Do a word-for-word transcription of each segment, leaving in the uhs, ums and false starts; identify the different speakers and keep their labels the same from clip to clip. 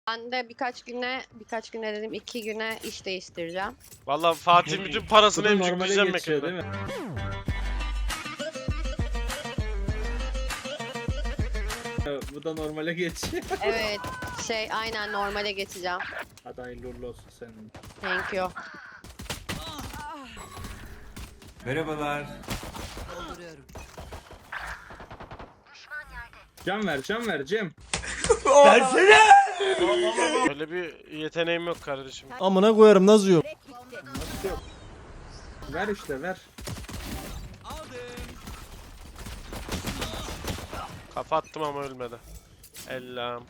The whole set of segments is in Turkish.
Speaker 1: Ben de birkaç güne, birkaç güne dedim iki güne iş değiştireceğim.
Speaker 2: Vallahi Fatih bütün parasını
Speaker 3: Bu da normale
Speaker 2: emcikleyeceğim
Speaker 3: geçiyor değil
Speaker 2: mekanda.
Speaker 3: mi? Evet, bu da normale geçiyor.
Speaker 1: Evet, şey aynen normale geçeceğim.
Speaker 3: Hadi hayırlı uğurlu olsun senin.
Speaker 1: Thank you.
Speaker 4: Merhabalar.
Speaker 3: Can ver, can ver Cem.
Speaker 4: Versene.
Speaker 2: Öyle bir yeteneğim yok kardeşim.
Speaker 5: Amına koyarım nasıl yok?
Speaker 3: Nasıl yok? Ver işte ver.
Speaker 2: Kafa attım ama ölmedi. Ellam.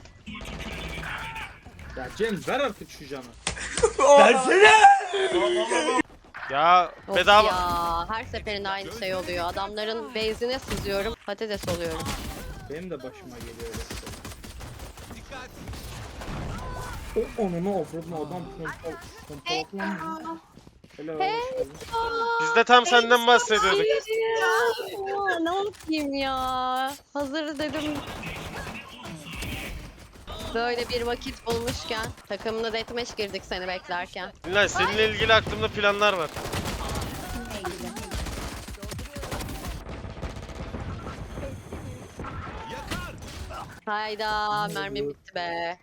Speaker 3: Ya Cem ver artık şu canı.
Speaker 4: Versene.
Speaker 2: Ya
Speaker 1: Of
Speaker 2: bedava.
Speaker 1: ya, her seferinde aynı şey oluyor. Adamların base'ine sızıyorum, patates oluyorum.
Speaker 3: Benim de başıma geliyor öyle. O onunu offroad'un adam pompal pompalanmıyor. Hello.
Speaker 2: Biz de tam senden bahsediyorduk.
Speaker 1: Ya, ne yapayım ya? Hazır dedim. Böyle bir vakit bulmuşken takımına deathmatch girdik seni beklerken.
Speaker 2: Dinle, seninle ilgili aklımda planlar var.
Speaker 1: Hayda, mermi bitti be.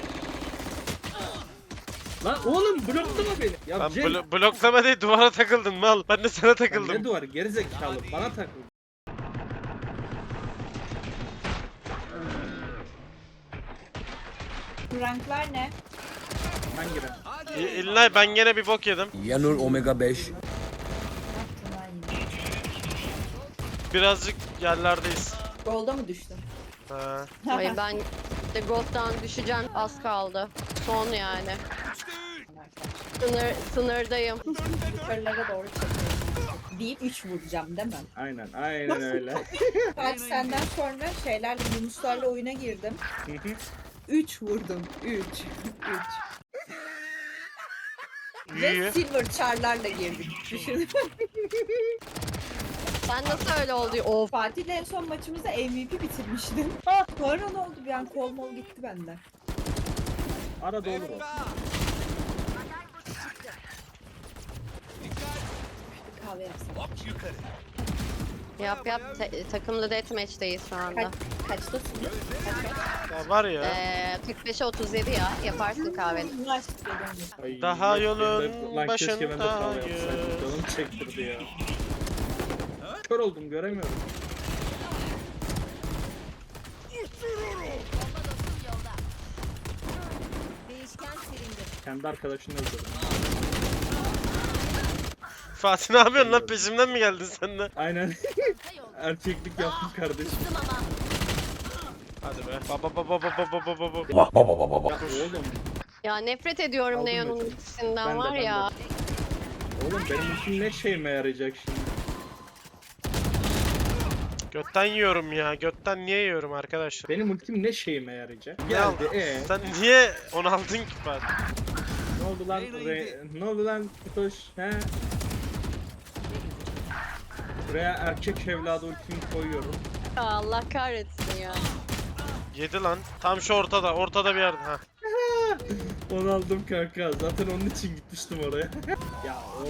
Speaker 3: Lan oğlum bloklama beni. Ya
Speaker 2: Ben
Speaker 3: Cem.
Speaker 2: blo bloklama değil, duvara takıldın mal. Ben de sana
Speaker 3: Ya
Speaker 2: takıldım.
Speaker 3: ne duvar gerizekalı bana takıl.
Speaker 6: Ranklar ne?
Speaker 3: Hangi renk?
Speaker 2: İ- İlla ben gene bir bok yedim.
Speaker 4: Yanur Omega beş.
Speaker 2: Birazcık yerlerdeyiz.
Speaker 6: Golda mı düştün?
Speaker 2: Ha.
Speaker 1: Ay ben de Gold'dan düşeceğim, az kaldı. Son yani. Sınır, sınırdayım.
Speaker 6: Yukarılara doğru çekiyorum. Deyip üç vuracağım değil mi?
Speaker 3: Aynen aynen öyle.
Speaker 6: Kaç senden sonra şeylerle Yunuslarla oyuna girdim. üç vurdum. üç. üç. Ve
Speaker 2: İyi.
Speaker 6: silver char'larla girdik. Düşün.
Speaker 1: Sen nasıl öyle oldu? Of.
Speaker 6: Fatih'le en son maçımızda M V P bitirmiştim. Sonra ne oldu? Bir an kol mol gitti benden.
Speaker 3: Arada olur o.
Speaker 6: Kahve yapsam.
Speaker 1: Yap yap, Ta- takımlı deathmatch'teyiz şu anda.
Speaker 6: Kaç, kaçtasın? Kaç
Speaker 2: Ya var ya.
Speaker 1: Ee, kırk beşe otuz yedi ya, yaparsın kahveni.
Speaker 6: kaç?
Speaker 3: Ay,
Speaker 2: Daha
Speaker 3: bak,
Speaker 2: yolun
Speaker 3: ben de- lan keşke ben de kahve
Speaker 2: başındayım.
Speaker 3: yapsaydım. Canım çektirdi ya. Kör oldum göremiyorum. Kendi arkadaşını öldürdüm.
Speaker 2: Fatih ne yapıyorsun lan, peşimden mi geldin sen de?
Speaker 3: Aynen. Erkeklik yaptım kardeşim.
Speaker 2: Hadi be. Baba baba baba baba baba.
Speaker 3: Ya oğlum.
Speaker 1: Ya nefret ediyorum
Speaker 3: Aldım
Speaker 1: Neon'un
Speaker 3: hocam.
Speaker 1: ultisinden
Speaker 3: Ben de,
Speaker 1: var
Speaker 3: ben de.
Speaker 1: ya.
Speaker 3: Oğlum benim için ne şeyime yarayacak şimdi?
Speaker 2: Götten yiyorum ya. Götten niye yiyorum arkadaşlar?
Speaker 3: Benim ultim ne şeyime yarayacak?
Speaker 2: Ne
Speaker 3: Geldi
Speaker 2: aldın?
Speaker 3: ee.
Speaker 2: Sen niye onu aldın ki Fatih?
Speaker 3: Ne oldu lan? Re... Ne oldu lan? Kutoş? He? Buraya erkek evladı ultimi koyuyorum.
Speaker 1: Ya Allah kahretsin ya.
Speaker 2: Yedi lan. Tam şu ortada. Ortada bir yerde. Ha.
Speaker 3: Onu aldım kanka. Zaten onun için gitmiştim oraya. Ya or.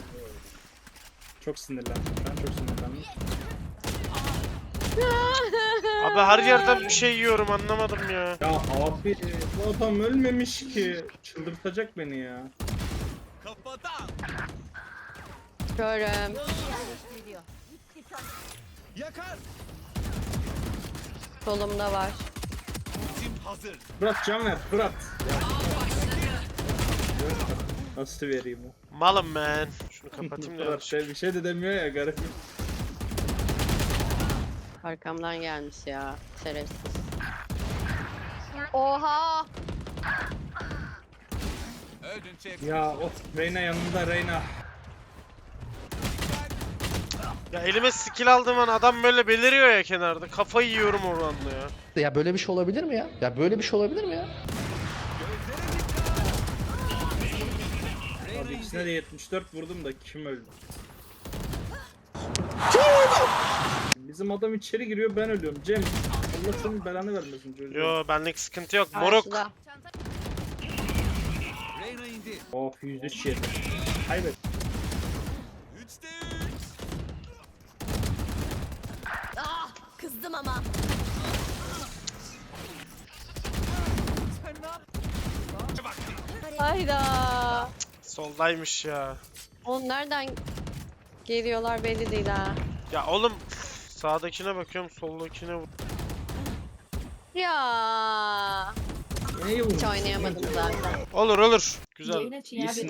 Speaker 3: Çok sinirlendim. Ben çok sinirlendim.
Speaker 2: Abi her yerden bir şey yiyorum, anlamadım ya.
Speaker 3: Ya abi bu adam ölmemiş ki. Çıldırtacak beni ya.
Speaker 1: Görüm. Solumda var.
Speaker 3: Fırat can ver Fırat. Ya. Nasıl vereyim o?
Speaker 2: Malım man. Şunu kapatayım da.
Speaker 3: Fırat şey, bir şey de demiyor ya garip.
Speaker 1: Arkamdan gelmiş ya. Şerefsiz. Oha!
Speaker 3: Ya of Reyna yanında Reyna.
Speaker 2: Ya elime skill aldığım an adam böyle beliriyor ya kenarda. Kafayı yiyorum oradan da ya.
Speaker 5: Ya böyle bir şey olabilir mi ya? Ya böyle bir şey olabilir mi ya?
Speaker 3: Abi ikisine de yetmiş dört vurdum da kim öldü? Bizim adam içeri giriyor ben ölüyorum Cem. Allah senin belanı vermesin çocuğum.
Speaker 2: Yo benlik sıkıntı yok. Moruk.
Speaker 1: Karşıda.
Speaker 3: Of yüz üç yedi. Kaybet.
Speaker 1: Ah, kızdım ama. Hayda.
Speaker 2: Soldaymış ya.
Speaker 1: Oğlum nereden geliyorlar belli değil ha.
Speaker 2: Ya oğlum sağdakine bakıyorum soldakine vur.
Speaker 1: Ya.
Speaker 3: Neyi vurdun?
Speaker 1: Hiç oynayamadım zaten.
Speaker 2: Olur olur. Güzel.
Speaker 6: Yayın açın ya.
Speaker 3: İyisin.